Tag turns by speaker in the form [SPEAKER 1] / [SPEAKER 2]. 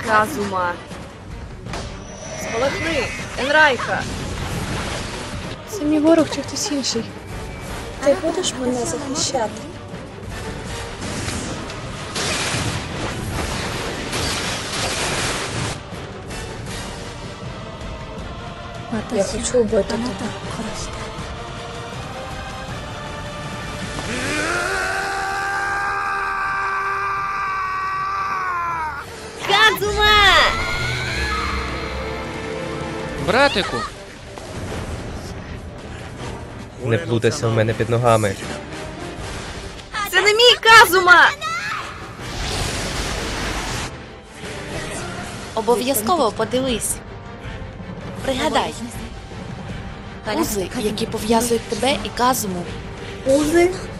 [SPEAKER 1] Казума. Спалахни, Енрайха.
[SPEAKER 2] Це мій ворог чи хтось інший?
[SPEAKER 3] Ти будеш мене захищати? Я хочу вбити тебе.
[SPEAKER 1] Казума!
[SPEAKER 4] Братику!
[SPEAKER 5] Не плутайся в мене під ногами.
[SPEAKER 1] Це не мій Казума!
[SPEAKER 6] Обов'язково подивись. Пригадай. Узи, які пов'язують тебе і Казуму.
[SPEAKER 3] Узи?